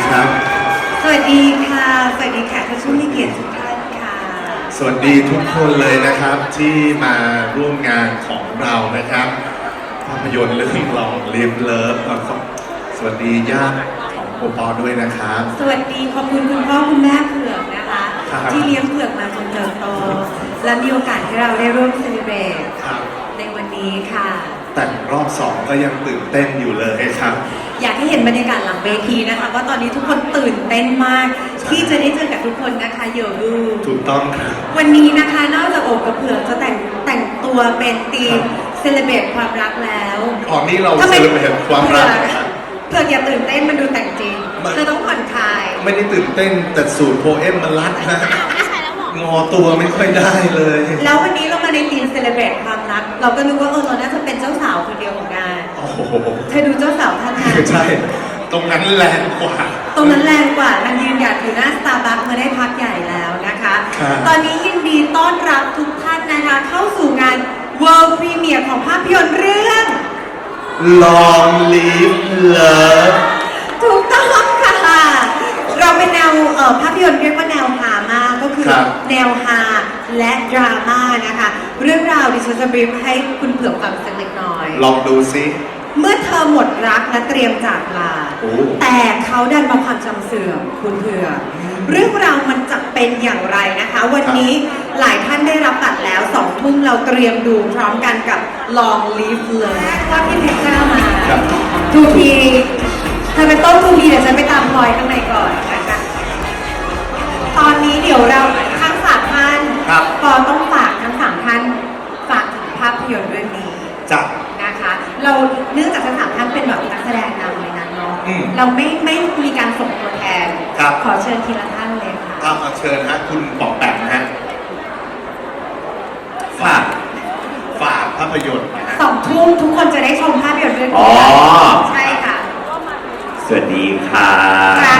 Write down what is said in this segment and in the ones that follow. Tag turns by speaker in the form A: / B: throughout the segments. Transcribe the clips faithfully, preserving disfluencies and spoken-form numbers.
A: ครับ
B: สวัสดีค่ะสวัสดีค่ะท่านผู้มีเกียรติทุกท่านค่ะ
A: สวัสดีทุกคนเลยนะครับที่มาร่วมงานของเรานะครับภาพยนตร์เรื่องลองลิฟเลิฟสวัสดีญาติของโอปอด้วยนะครับ
B: สวัสดีขอบคุณคุณพ่อคุณแม่เผือกนะคะที่เลี้ยงเผือกมาจนเติบโตและมีโอกาสให้เราได้ร่วมเซเลบรตในวันนี้ค่ะ
A: แต่รอบสองก็ยังตื่นเต้นอยู่เลยครับ
B: อยากให้เห็นบรรยากาศหลังเวทีนะคะว่าตอนนี้ทุกคนตื่นเต้นมากที่จะได้เจอกับทุกคนนะคะโยรู
A: ถูกต้องครับ
B: วันนี้นะคะนอกจากโอบกับเผือกจะแต่งแต่งตัวเป็นธีมเซเลบรตความรักแล้ว
A: อ๋อนี่เราเซเลบรตความรัก
B: เผือกอย่าตื่นเต้นมันดูแต่งจริงเธอต้องผ่อนคลาย
A: ไม่ได้ตื่นเต้นแต่สูตรโพเอมมันรัดนะงอตัวไม่ค่อยได้เลย
B: แล้ววันนี้เรามาในทีมเซเลบรตความรักเราก็นึกว่าเออเราน่าจะเป็นเจ้าสาวคนเดียวของงาน
A: โอ้โห
B: เธอดูเจ้าสาวท่านนั้น
A: ใช่ตรงนั้นแรงกว่า
B: ตรงนั้นแรงกว่ามันยืนหยัดอยู่หน้าสตาร์บัคมาได้พักใหญ่แล้วนะคะตอนนี้ยินดีต้อนรับทุกท่านนะคะเข้าสู่งาน World Premiere ของภาพยนตร์เรื่อง
A: Long Live Love
B: ถูกต้องค่ะเราเป็นแนวภาพยนตร์เรียกว่าแนวฮามากก็คือแนวฮาและดราม่านะคะเรื่องราวดิฉันจะบรีฟให้คุณเผือกฟังสักเล็กน้อย
A: ลองดูซิ
B: เมื่อเธอหมดรักและเตรียมจากลาแต่เขาดันมาความจำเสื่อมคุณเผือกเรื่องราวมันจะเป็นอย่างไรนะคะวันนี้หลายท่านได้รับบัตรแล้วสองทุ่มเราเตรียมดูพร้อมกันกับ Long Live Love ว่าพี่เพชรจ้ามาทูพีเธอเป็นต้นทูพีเดี๋ยวฉันไปตามพลอยข้างในก่อนนะคะตอนนี้เดี๋ยวเราทั้งสามท่านพอต้องฝากทั้งสามท่านฝากถึงภาพยนตร์เรื่องนี้
A: จ้ะ
B: นะคะเราเนื่องจากทั้งสามท่านเป็นแบบนักแสดงนำในนั้นเนาะเราไม่ไม่มีการส่งตัวแทนขอเชิญทีละท่านเลยค่ะ
A: ครับเชิญฮะคุณปองแปมนะฮะฝากฝากภาพยนตร์
B: สองทุ่มทุกคนจะได้ชมภาพยนตร์เรื่อง
C: นี้
B: ใช่ค่ะ
C: สวัสดีค่ะ
B: ค่ะ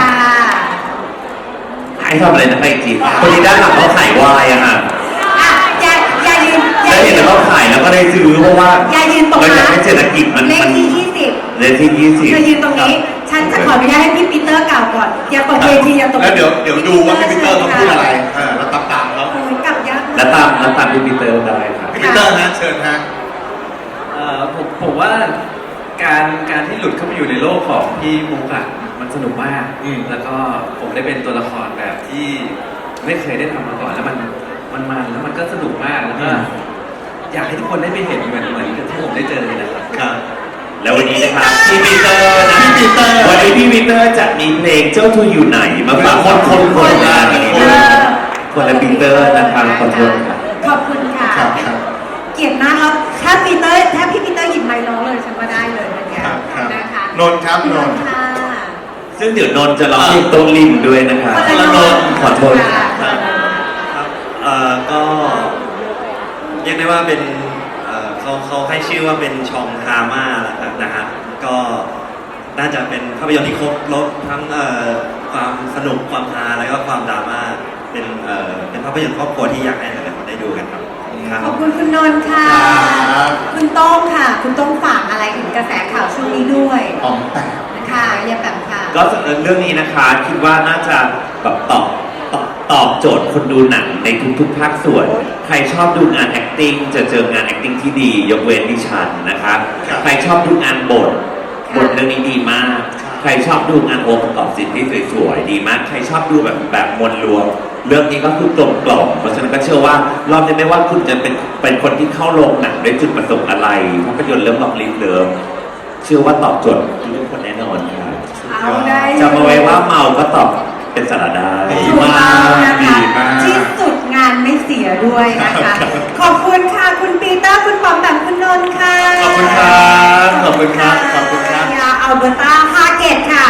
C: ให้ทำอะไรนะไอจีคนนี้ด้านหลังเขาขายวายอะค่ะ
B: อย่าอย่ายืน
C: ได้เห็นแล้วเขาขายแล้วก็ได้ซื้อเพราะว่า
B: อย่ายืนตรงนั้น
C: เราอยากให้เศรษฐกิจมัน
B: เลขที่ยี่สิบ
C: เลขที่ยี่สิบ
B: เธอยืนตรงนี้ฉันจะขออนุญาตให้พี่ปีเตอร์กล่าวก่อนอย่าตกเวทีอย่าตก
A: แล้วเดี๋ยวเดี๋ยวดูว่าพี่ปีเตอร์เขาพูดอะไรอ่าแล้วตามตามเขา
B: กลับยาก
C: แล้วตามแล้วตามพี่ปีเตอร์ได้ครับ
A: พี่ปีเตอร์ฮะเชิญฮะ
D: เอ่อผมผมว่าการการที่หลุดเข้าไปอยู่ในโลกของพี่มุกอะมันสนุกมากแล้วก็ผมได้เป็นตัวละครแบบที่ไม่เคยได้ทำมาก่อนแล้วมันมันมันแล้วมันก็สนุกมากแล้วก็อยากให้ทุกคนได้ไปเห็นเหมือนเหมือนที่ผมได้เจอเลยนะครับ
C: แล้ววันนี้นะครับพี่ปีเตอร์นะพี่ปีเตอร์วันนี้พี่ปีเตอร์จะมีเพลงเจ้าทูอยู่ไหนมาฝากคนคนคนละคนละปีเตอร์นะครับขอโทษครับ
B: ขอบคุณค่ะเกียรติมากแล้วถ้าปีเตอร์ถ้าพี่ปีเตอร์หยิบไมค์ร้องเลยฉันว่าได้เลยนะคะนะคะ
A: นนท์ครับนนท์
C: ซึ่งเดี๋ยวนนท์จะร้องเพลงต้นริมด้วยนะครับ
B: นนท์
C: ขอโทษ
D: ครับเอ่อก็เรียกได้ว่าเป็นเขาเขาให้ชื่อว่าเป็นชองดราม่าแหละครับนะฮะก็น่าจะเป็นภาพยนตร์ที่ครบรสทั้งความสนุกความฮาแล้วก็ความดราม่าเป็นเป็นภาพยนตร์ครอบครัวที่อยากให้หลายคนได้ดูกันครับ
B: ขอบคุณคุณนนท์ค่ะคุณโต้งค่ะคุณโต้งฝากอะไรถึงกระแสข่าวช่วงนี้ด้วย
A: อ๋อแต่
B: ค่ะอย่าแบบค่ะ
C: ก็เรื่องนี้นะคะคิดว่าน่าจะแบบตอบตอบตอบโจทย์คนดูหนังในทุกๆภาคส่วนใครชอบดูงาน acting จะเจองาน acting ที่ดียกเว้นดิฉันนะคะใครชอบดูงานบทบทเรื่องนี้ดีมากใครชอบดูงานโอประกอบศิลป์ที่สวยๆดีมากใครชอบดูแบบแบบมวลรวมเรื่องนี้ก็คือกลมกล่อมเพราะฉะนั้นก็เชื่อว่ารอบนี้ไม่ว่าคุณจะเป็นเป็นคนที่เข้าโรงหนังด้วยจุดประสงค์อะไรภาพยนตร์เรื่องลองลิฟเลิฟเชื่อว่าตอบโจทย์ทุกคนแน่นอนครับจำเอาไว้ว่าเมาก็ตอบเป็นสาระได้
B: ดีมากนะคะที่สุดงานไม่เสียด้วยนะคะขอบคุณค่ะคุณปีเตอร์คุณปอมแปมคุณนนท์ค่ะ
A: ขอบคุณครับขอบคุณครับขอบคุณครับ
B: ยาอัลเบอร์ตาฮาเกตค่ะ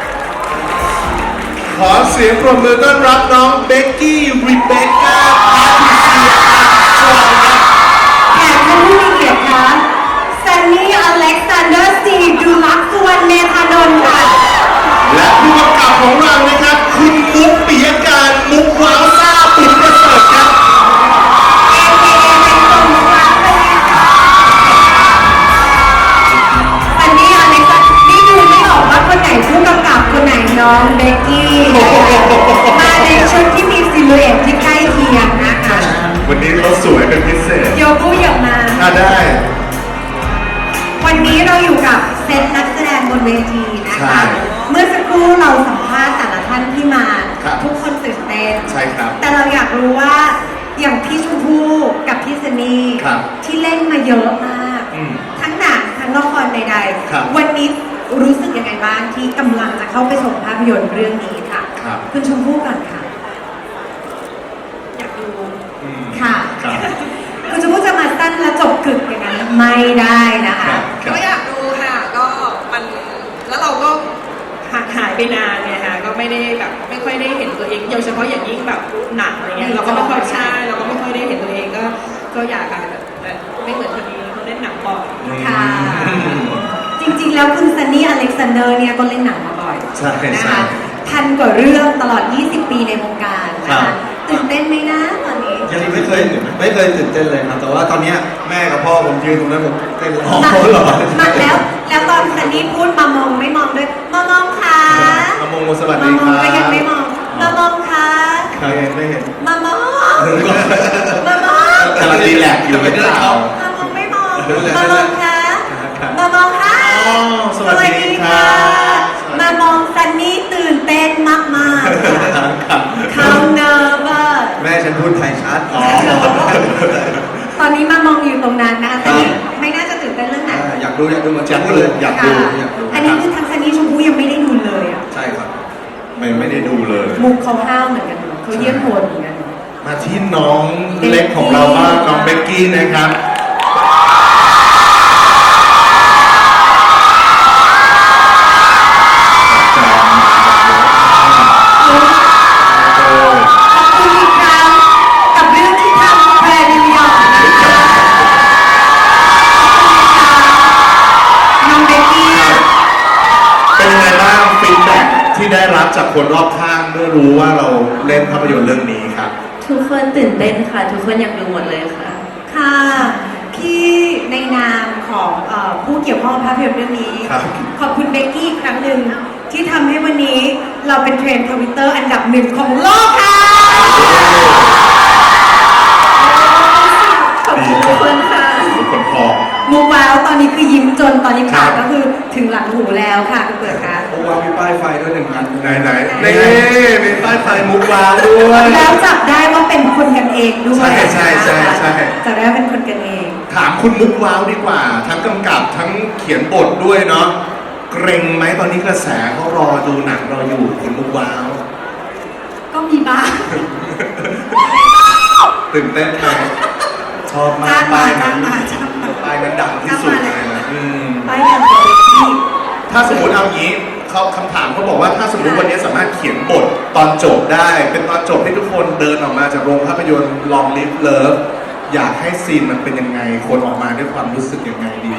A: ขอเสียงปรบมือต้อนรับน้องเบกกี้ริเบคก้าพาทิเซียสวัสดีครับ
B: แขกท่านผู้มีเกียรติค่ะแซนนี่อเล็กซานเดอร์สตีฟดูลักสุวรรณเมธานนท์ค่ะ
A: และผู้กำกับของเรานะครับคุณมุกปิยการมุกว้าวซ่าปิ่นประเสริฐครับ
B: เอเอเป็นคนรักเลยค่ะแซนนี่อเล็กซานนี่ดูไม่ออกว่าคนไหนผู้กำกับคนไหนน้องเบทีนะ
A: ใช่
B: คะ เมื่อสักครู่เราสัมภาษณ์แต่ละท่านที่มา
A: ครับ
B: ทุกคนตื่นเต้น
A: ใช่ครับ
B: แต่เราอยากรู้ว่าอย่างพี่ชมพู่กับพี่ซันนี่
A: ครับ
B: ที่เล่นมาเยอะมาก
A: อืม
B: ทั้งหนังทั้งละครใด
A: ครับ
B: ๆ วันนี้รู้สึกยังไงบ้างที่กำลังจะเข้าไปชมภาพยนตร์เรื่องนี้ค่ะ
A: ครับ
B: คุณชมพู่ก่อนค่ะ
E: อยากดู
A: อืม
B: ค่ะ
A: ครับ
B: คุณชมพู่จะมาสั้นและจบกึกอย่างนั้นไม่ได้นะ
A: ครั
B: คะ
A: บครับ
E: ก็อยากดูค่ะ ก็มันแล้วเราก็ห่างหายไปนานเนี่ยค่ะก็ไม่ได้แบบไม่ค่อยได้เห็นตัวเองโดยเฉพาะอย่างยิ่งแบบหนังอะไรเงี้ยเราก็ไม่ค่อยใช่เราก็ไม่ค่อยได้เห็นตัวเองก็ก็อยากอะแบบแต่ไม่เหมือนคนนี้เขาเล่นหนังบ่อย
B: ค่ะ จริงๆ แล้วคุณซันนี่อเล็กซานเดอร์เนี่ยก็เล่นหนังมาบ่อย
A: ใช่
B: นะ
A: ใช่
B: คะพันกว่าเรื่องตลอด ยี่สิบ ปีในวงการนะ
A: ครั
B: คะ
A: บ
B: ตื่นเต้นไหมนะตอนนี้
F: ยังไม่เคยไม่เคยตื่นเต้นเลยครับ แต่ว่าตอนเนี้ยแม่กับพ่อผมยืนตรงนั้นผมเต้นเลย
A: อ๋อ
B: มา
A: เหรอ
B: มาแล้ว แล้วตอนซันนี่พูดมามองไม่มองด้วย มามองค่ะ
A: มามงสวัส
B: มา
A: ดี
B: ม
A: ค
B: อง
A: รับ
B: ก็ยังไม่มอง มามองค่ะ
F: ไม่เห็นไม่เห็น
B: มามอง มามอง
A: กำลังรีแลกซ์อยู่หรือเปล่า
B: มามองไม่มอง มามองค่ะ มามองค่ะ
A: อ๋อสวัสดีครับ
B: มามองซันนี่ตื่นเต้นมากๆค่ะ
A: ครับ
B: เขาเนอร์เวอร์
F: แม่ฉันพูดไทยชัด
A: อ๋อ
B: ตอนนี้มามองอยู่ตรงนั้นนะคะ
F: ครั
B: แต่
F: บ
B: นี่ไม่น่าจะตื่นเต้นเรื่องไหน
F: อ่าอยากดูอยากดูเหมือน
A: อยากดู
F: เลย
A: อยากดู
F: อยากดู
B: อันนี้คือทางซันนี่ชมพู่ยังไม่ได้ดูเลยอ่ะ
F: ใช่ครับ
A: ไม่ไม่ได้ดูเลย
B: มุกเขาห้าวเหมือนกันเนอะเขาเยี่ยมโหดเหมือนกันเนอะ
A: มาที่น้องเล็กของเราบ้างน้องเบกกี้นะครับ
B: ขอบคุณอีกครั้งกับเรื่องที่ทำแพรนิวยอร์กนะคะน้องเบกกี้
A: เป็นยังไงบ้างฟีดแบ็กที่ได้รับจากคนรอบข้างเมื่อรู้ว่าเราเล่นภาพยนตร์เรื่องนี้ครับ
G: ทุกคนตื่นเต้นค่ะ ทุกคนอยากดูหมดเลยค่ะ
B: ค่ะพี่ในนามของเออผู้เกี่ยวข้องกับภาพยนตร์เรื่องนี้
A: ครับ
B: ขอบคุณเบกกี้อีกครั้งหนึ่งที่ทำให้วันนี้เราเป็นเทรนด์ทวิตเตอร์อันดับหนึ่งของโลกค่ะ
G: ขอบคุณทุกคนค่ะ
A: ทุกคนพอ
B: มูว้าวตอนนี้คือยิ้มจนตอนนี้ปาก
A: ครับ
B: ก็คือถึงหลังหูแล้วค่ะคุณเปิดค่ะ
F: โอ้วางมีป้ายไฟด้วยหนึ่งอัน
A: ไหนไหนๆนี่มีป้ายไฟมุกวาวด้วย
B: แล้วจับได้ว่าเป็นคนกันเองด้วย
A: ใช่ใช่ใช่ใช่
B: จับได้ว่าเป็นคนกันเอง
A: ถามคุณมุกว้าวดีกว่า ทั้งกำกับทั้งเขียนบทด้วยเนาะเกรงไหมตอนนี้กระแสเขารอดูหนังเราอยู่คุณมุกว้าว
B: ก็มีบ้าง
A: ตื่นเต้นไหมชอบมาก
B: จ้างมา
A: ป้ายนั้น
B: จ้างมาจ้างมา
A: ป้ายนั้นดังที่สุดเลยนะอืม
B: ไปกันตัวเบกกี้
A: ถ้าสมมติเอางี้เขาคำถามเขาบอกว่าถ้าสมมติวันนี้สามารถเขียนบทตอนจบได้ เป็นตอนจบให้ทุกคนเดินออกมาจากโรงภาพยนตร์ลองลิฟเลิฟอยากให้ซีนมันเป็นยังไง คนออกมาด้วยความรู้สึกยังไงดี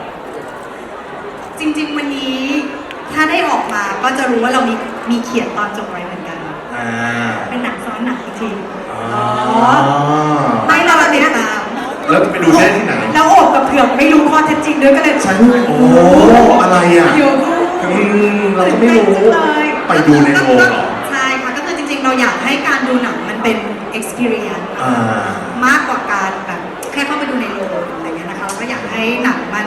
H: จริงๆ วันนี้ถ้าได้ออกมาก็จะรู้ว่าเรามีมีเขียนตอนจบไว้เหมือนกัน
A: อ่า
H: เป็นหนังซ้อนหนังอีกที
A: อ๋อ
B: ไม่เรา
H: ติ
B: เนี่
H: ด
B: ย
H: ตาม
A: แล้วจะไปดูได้ที่ไหน
B: แล้วโอบกับเผือกไม่รู้ข้อเท็จจริงด้วยก็เลย
A: ใช่โอ้อะไรอ่ะ
B: อยู่
A: อืมเราก็ไม่รู้
B: ตื่นเต้นจังเลย
A: ไปดูในโรงเหรอ
H: ใช่ค่ะ ก็คือจริงๆ เราอยากให้การดูหนังมันเป็น experience
A: อ่า
H: มากกว่าการแบบแค่เข้าไปดูในโรงอะไรเงี้ยนะคะเราก็อยากให้หนังมัน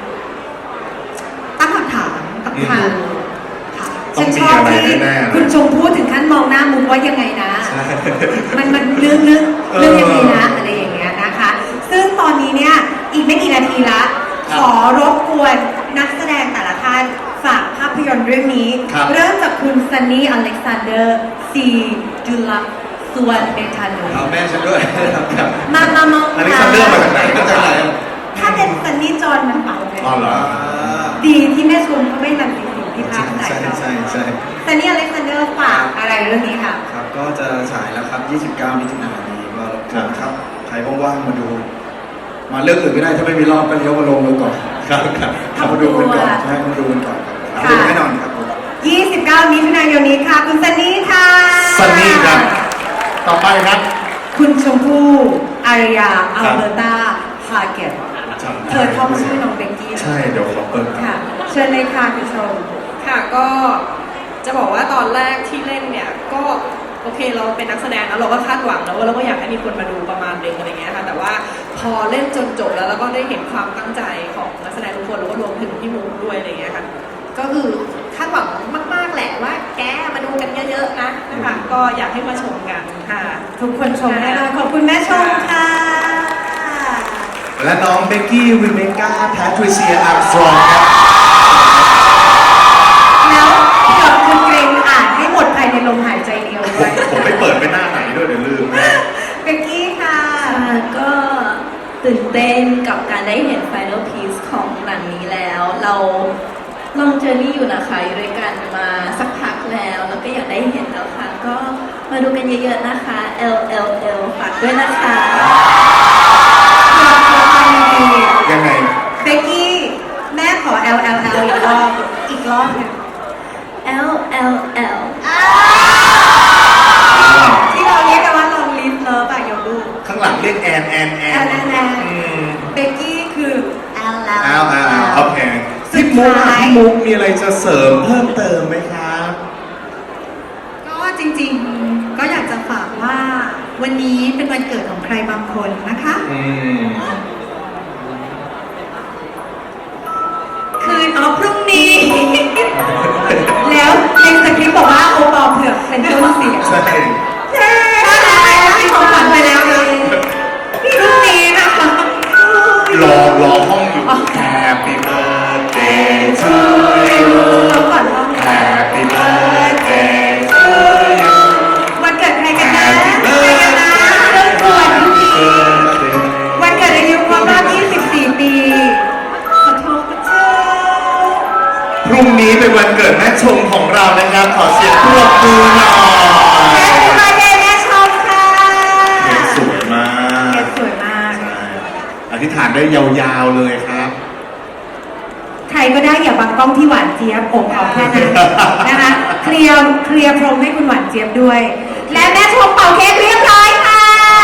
H: ตั้งคำถามกับ
A: อืม
H: ทางค่ะ
A: ต้อ
B: ฉั
A: ง
B: น
A: มี
B: ชอบ
A: อะไร
B: ที่
A: แน่ๆเลย
B: คุณชมพู่ถึงขั้นมองหน้ามุกว่ายังไงนะ มันมันเรื่องเรื่องเรื่องยังไงนะอะไรอย่างเงี้ยนะคะ ซึ่งตอนนี้เนี่ยอีกไม่กี่นาทีละ ขอรบกวนนักแสดงแต่ละท่านฝากภาพยนตร์เรื่องนี้
A: ครับ
B: เริ่มจากคุณซันนี่อเล็กซานเดอร์ซีจุลักสวนเบธานุ
F: เอาแม่ฉันด้วยครับ
B: มามามอง
A: อันนี้ซันเดอร์มาจากไหน
F: มาจากไหนอ่ะ
B: ถ้าเป็นซันนี่จอนมันเป่าเลย
A: อ๋อเหรอ
F: อ่า
B: ดีที่แม่ชมเขาไม่นำสิ่งสิ่งที่พักใส่
F: ใช่
B: เรา
F: ใช่ใช่
B: ซันนี่อเล็กซานเดอร์ฝากอะไรเรื่องนี้ค่ะ
F: ครับก็จะฉายแล้วครับ ยี่สิบเก้า มิถุนายนนี้ก็รบกวนครับ ใครว่างๆมาดู มาเลือกอื่นไม่ได้ถ้าไม่มีรอบก็เลี้ยวมาลงดูก่อน
A: ครับครับ
F: เข้ามาดูกันก่อนใช่มาดูกันก่อนครับดูแน่นอนครับผม
B: ยี่สิบเก้า มิถุนายนนี้ค่ะ คุณซันนี่ค่ะ
A: ซันนี่ครับ ต่อไปครับ
B: คุณชมพู่อารยา อัลเบอร์ตาฮาเกต
A: จำ
B: เธ
A: ได้
B: อท่องชื่อน้องเบกกี้
A: ใช่ เดี๋ยวขอเปิด
B: ค่ะ เชิญเลยค่ะคุณชม
E: ค่ะก็จะบอกว่าตอนแรกที่เล่นเนี่ยก็โอเคเราเป็นนักแสดงแล้วเราก็คาดหวังแล้วว่าเราก็อยากให้มีคนมาดูประมาณนึงอะไรเงี้ยค่ะแต่ว่าพอเล่นจนจบแล้วเราก็ได้เห็นความตั้งใจของนักแสดงทุกคนแล้วก็รวมถึงพี่มุกด้วยอะไรเงี้ยค่ะก็คือคาดหวังมาก ๆ แหละว่าแกมาดูกันเยอะ ๆ นะนะคะก็อยากให้มาชมกันค่ะ
B: ทุกคนชมได้เลยขอบคุณแม่ชมค่ะ
A: และน้องเบกกี้ริเบคก้าแพทริเซียอาร์มสตรองครับ
B: แล้วเผื่อคุณเกรงอ่านให้หมดภายในลมหายใจเดียว
A: ผ
B: ด้วย
A: มผมไม่เปิดไปหน้าไหนด้วยเดี๋ยวลืมนะ
B: เบกกี้ค่ะ
G: ค่ะก็ตื่นเต้นกับการได้เห็น Final Piece ของหนังนี้แล้ว เราลองเจอนี่อยู่นะคะอยู่ด้วยกันมาสักพักแล้ว แล้วก็อยากได้เห็นแล้วค่ะ ก็มาดูกันเยอะๆนะคะ L L L ฝากด้วยนะคะ
A: ยังไง
B: เบกกี้ แม่ขอ L L L อีกรอบ อีกรอบหนึง
G: L L L
B: ที่เราเรียกกันว่าลองลิฟเลิฟอะโยบู
A: ข้างหลังเรียกแอนแอนแอ
B: แอน นแอนแอน
A: อืม
B: เบกกี้คือ L L
A: อ้าวอ้าวโอเค
B: สุ
A: พี่
B: ด
A: มุก
B: ท้าย
A: พี่มุกมีอะไรจะเสริมเพิ่มเติมไหมครับ
H: ก็จริงๆ ก็อยากจะฝากว่าวันนี้เป็นวันเกิดของใครบางคนนะคะ
A: อืม
B: คืนอ๋อพรุ่งนี้ แล้วในสคริปต์บอกว่าโอปอล์เผือกเป็นต้นเสียง
A: ใช่
B: ใช่ให้ของขวัญไปแล้วนะพรุ่งนี้นะคะ
A: รอรอห้องอยู่ Happy birthday to you
B: เราก่อนห้อง
A: Happy birthday to you
B: วันเกิดใครกันนะใครกันนะเรื่องด่วนพรุ่งนี้วันเกิดอายุครบรอบยี่สิบสี่ ปี ขอโทษค่ะเจ้า
A: พรุ่งนี้เป็นวันเกิดแม่ชมของเรานะครับ ขอเสียงปรบมือหน่อย
B: แม่ชมมาเดย์แม่ชมค่ะ
A: เค้กสวยมาก
B: เค้กสวยมาก
A: ใช่อธิษฐานได้ยาวๆเลยครับ
B: ใครก็ได้อย่าบังกล้องที่หวานเจี๊ยบผมเอาแค่นั้นนะคะ เคลียร์เคลียร์พรมให้คุณหวานเจี๊ยบด้วย และแม่ชมเป่าเค้กเรียบร้อยค่ะ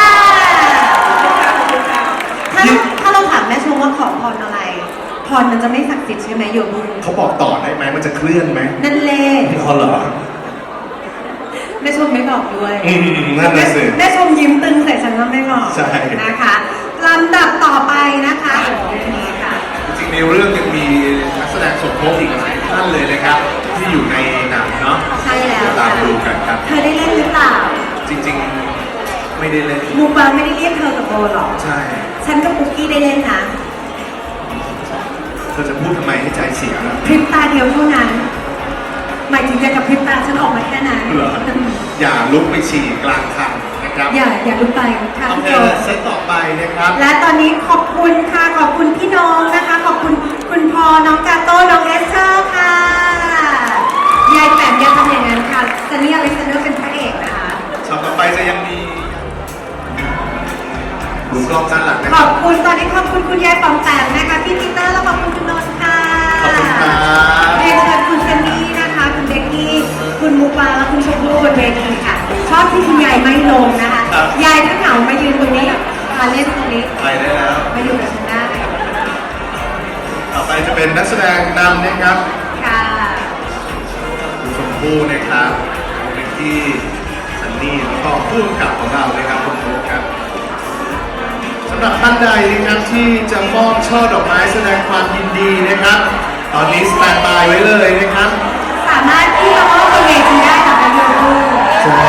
B: ถ้าถ้าเราถามแม่ชมว่าขอพรอะไร พรมันจะไม่ศักดิ์สิทธิ์ใช่ไหมโยบุ
A: เขาบอกต่อได้ไหมมันจะเคลื่อนไหม
B: นั่นเล่
A: เขาเหรอ
B: แม่ชมไม่บอกด้วย
A: อืมนั่นน่ะสิ
B: แม่ชมยิ้มตึงใส่ฉันว่าไม่บอก
A: ใช่
B: นะคะลำดับต่อไปนะคะนี่ค่ะ
A: จริงๆในเรื่องยังมีนักแสดงสมทบอีกหลายท่านเลยนะครับ ที่อยู่ในหนังเนาะ
B: ใช่แล้ว
A: เดี๋ยวตามดูกันครับ
B: เธอได้เล่นหรือเปล่า
A: จริงๆไม่ได้เล่น
B: มูปาไม่ได้เรียกเธอกับโบหรอก
A: ใช่
B: ฉันกับปุ๊กกี้ได้เล่นนะ
A: เธอจะพูดทำไมให้ใจเสียล่ะ
B: พริบตาเดียวเท่านั้น หมายถึงจะกับพริบตาฉันออกมาแค่นั้น
A: เหรออย่าลุกไปฉี่กลางคันนะครับ
B: อย่าอย่าลุกไปค่ะ
A: โอ
B: พี่
A: เค
B: โจ
A: เซตต่อไปนะครับ
B: และตอนนี้ขอบคุณค่ะ ขอบคุณพี่น้องนะคะ ขอบคุณคุณพอน้องกาโต้ น้องเอสเธอร์ค่ะ ยายแปมอย่าทำอย่างนั้นค่ะซันนี่อเล็กซานเดอร์เป็นพระเอกนะคะ
A: ช็อตต่อไปจะยังมีดูกล้องด้านหลังนะ
B: ข
A: ค
B: อ
A: รั
B: บบ คุณตอนนี้ขอบคุณคุณยายปอมแปมนะคะพี่ปีเตอร์และขอบคุณคุณนนท์ค่ะ
A: ขอบคุณครับ
B: เรียนเชิญคุณซันนี่นะคะ คุณเบกกี้ คุณมูปาและคุณชมพู่บนเวทีค่ะ ชอบที่คุณยายไม่ลงนะคะ ยายถ้าเหงามายืนตรงนี้มาเล่นตรงนี้
A: ไปได้แล้ว
B: มาอยู่กับฉันได้
A: ต่อไปจะเป็นนักแสดงนำนะครับ
B: ค่ะ
A: คุณชมพู่นะครับคุณเบกกี้ซันนี่แล้วก็ผู้กำกับของเรานะครับคุณฟุ๊กครับสำหรับท่านใดนะครับที่จะมอบช่อดอกไม้แสดงความยินดีนะครับ ตอนนี้สแตนบายไว้เลยนะครับ
B: สามารถที่จะมอบบนเวทีได้ค่ะคุณยูทู
A: ใช่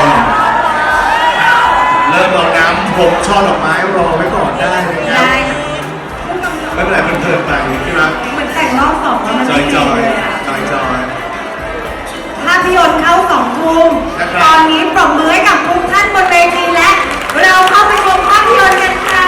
A: เริ่มรอน้ำพรมช่อดอกไม้รอไว้ก่อนได้นะครับ
B: ได้
A: ไม่เป็นไรเพลินๆไปที่รัก
B: เหมือนแต่งรอบสองแล้วมัน
A: จ
B: ไม่
A: อย
B: ดี
A: จอย
B: เลยอะ
A: จอยจอย
B: ภาพยนตร์เข้าสองทุ่ม
A: นะครับ
B: ตอนนี้ปรบมือให้กับทุกท่านบนเวทีและ เราเข้าไปชมภาพยนตร์กันค่ะ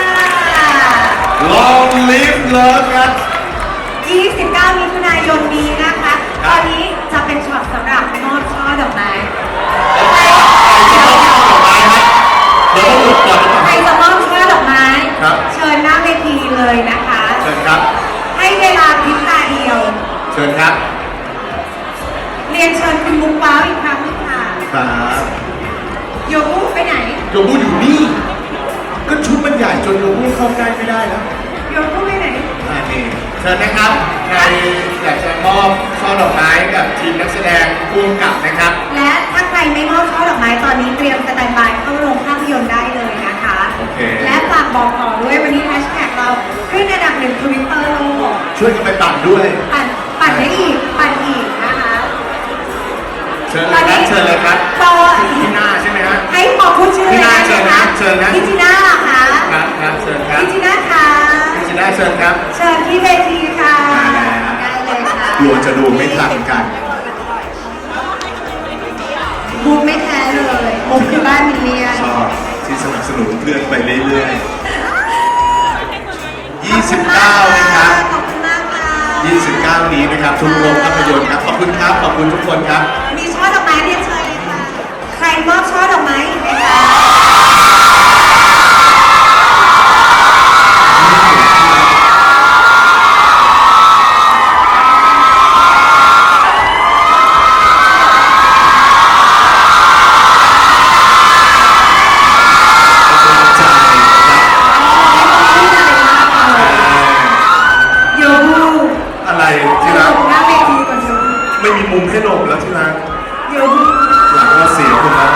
A: Long live love ครับ
B: ยี่สิบเก้า มิถุนายนนี้นะคะ ตอนนี้จะเป็นช็อตสำหรับมอบช่อดอกไม้
A: ใครจะมอบช่อดอกไม้ครับเดี๋ยวต้องหยุดก่อนหรือเปล่า
B: ใครจะมอบช่อดอกไม้
A: ครับ
B: เชิญหน้าเวทีเลยนะคะ
A: เชิญครับ
B: ให้เวลาพริบตาเดียว
A: เชิญครับ
B: เรียนเชิญคุณมุกว้าวอีกครั้งหนึงค่ะ
A: ครับ
B: โยบุไปไหน
A: โยบูอยู่นี่ ก็ชุดมันใหญ่จนโยบูเข้าใกล้ไม่ได้แล้ว
B: โยบุไปไหน
A: อ่านี่เชิญนะครับ ใครอยากจะมอบช่อดอกไม้กับทีมนักแสดงผู้กำกับนะครับ
B: และถ้าใครไม่มอบช่อดอกไม้ตอนนี้เตรียมสแตนบายเข้าโรงภาพยนตร์ได้เลยนะคะ
A: โอเค
B: และฝากบอกต่อด้วยวันนี้แฮชแท็กเราขึ้นอันดับหนึ่งทวิตเตอร์โลก
A: ช่วยกันไปปั่นด้วย
B: ปั่นปั่นได้อีก ปั่นพูดชื่อเลยได้
A: พี่
B: ไหม
A: นา
B: คะ
A: เชิญนะเชิญนะ
B: พี่จีน่าเหรอคะ
A: ครับครับเชิญครับ
B: พี่จีน่าคะ
A: พี่จีน่าเชิญครับ
B: เชิญที่เวทีค่ะ
A: มาแล้ว
B: ได้เลยค่ะ
A: กลัวจะดูไม่ทันกัน
B: มุกไม่แพ้เลยมุกคือบ้านมิลเลียน
A: ชอบที่สนับสนุนเพื่อนไปเรื่อยๆ ยี่สิบเก้านะครับ
B: ขอบคุณมากค่ะ
A: ยี่สิบเก้านี้นะครับทุกโรงภาพยนตร์ครับ ขอบคุณครับ ขอบคุณทุกคนครับ
B: มีช่อดอกไม้เรียนเชิญเลยค่ะ ใครมอบช่อดอกไม้อีกไหมคะ โยบู
A: อะไรที่รัก
B: หน้าเวทีก่อนโยบู
A: ไม่มีมุมให้หลบแล้วที่รัก
B: โยบู
A: หลังเราเสียหมดแล้ว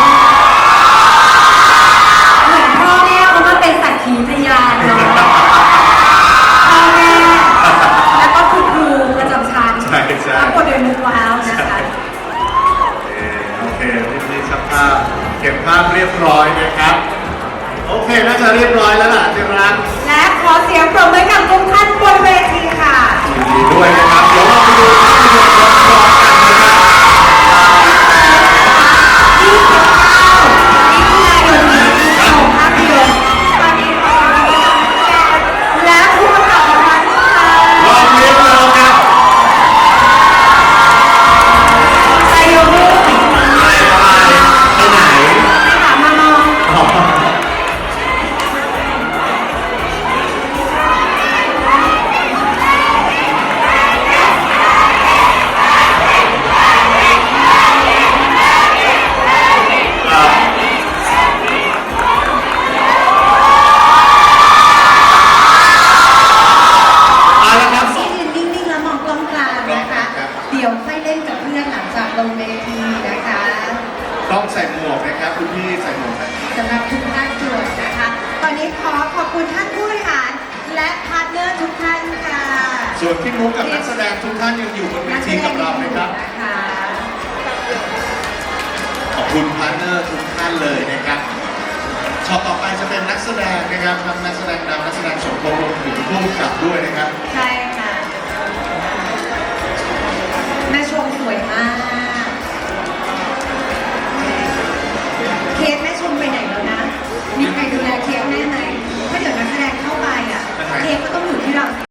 B: เหมือนพ่อแม่เขามาเป็นสักขีพยานเนาะพ่อแม่แล้วก็คุณครูประจำชั้น
A: ใช่ใช่
B: ทั้งหมดโดยมุกว้าวนะคะ
A: โอเคพี่พี่ช่างภาพเก็บภาพเรียบร้อยนะครับ โอเคน่าจะเรียบร้อยแล้วล่ะที่รัก
B: และขอเสียงปรบมือกับทุกท่านบนเวทีค่ะ
A: ยินดีด้วยนะครับ เดี๋ยวเราไปดูภาพยนตร์พร้อมๆกันนะครับ
B: ยี่สิบเก้ามิถุนายนนี้โรงภาพยนตร์ตอนนี้ขอเสียงปรบมือกับและผู้ประกอบการค่ะ
A: ลองเรียนเราครับ
B: ไซโยบุ
A: ไปไปไปไหน
B: ถามมามอง
A: อ๋อ เอาละครับ
H: ที่ยืนนิ่งๆแล้วมองกล้องกลางนะคะ เดี๋ยวค่อยเล่นกับเพื่อนหลังจากลงเวทีนะคะ
A: ต้องใส่หมวกนะครับคุณพี่ใส่หมวกนะ
H: สำหรับทุกภาคส่วนนะคะ ตอนนี้ขอขอบคุณท่านผู้บริหารและพาร์ทเนอร์ทุกท่านค่ะ
A: ส่วนพี่มุกกับนักแสดงทุกท่านยังอยู่บนเวทีกับเรานะครับ
H: นะคะ
A: ขอบคุณพาร์ทเนอร์ทุกท่านเลยนะครับช็อตต่อไปจะเป็นนักแสดงนะครับทั้งนักแสดงนำนักแสดงสมทบรวมถึงผู้กำกับด้วยนะครับ
B: ใช่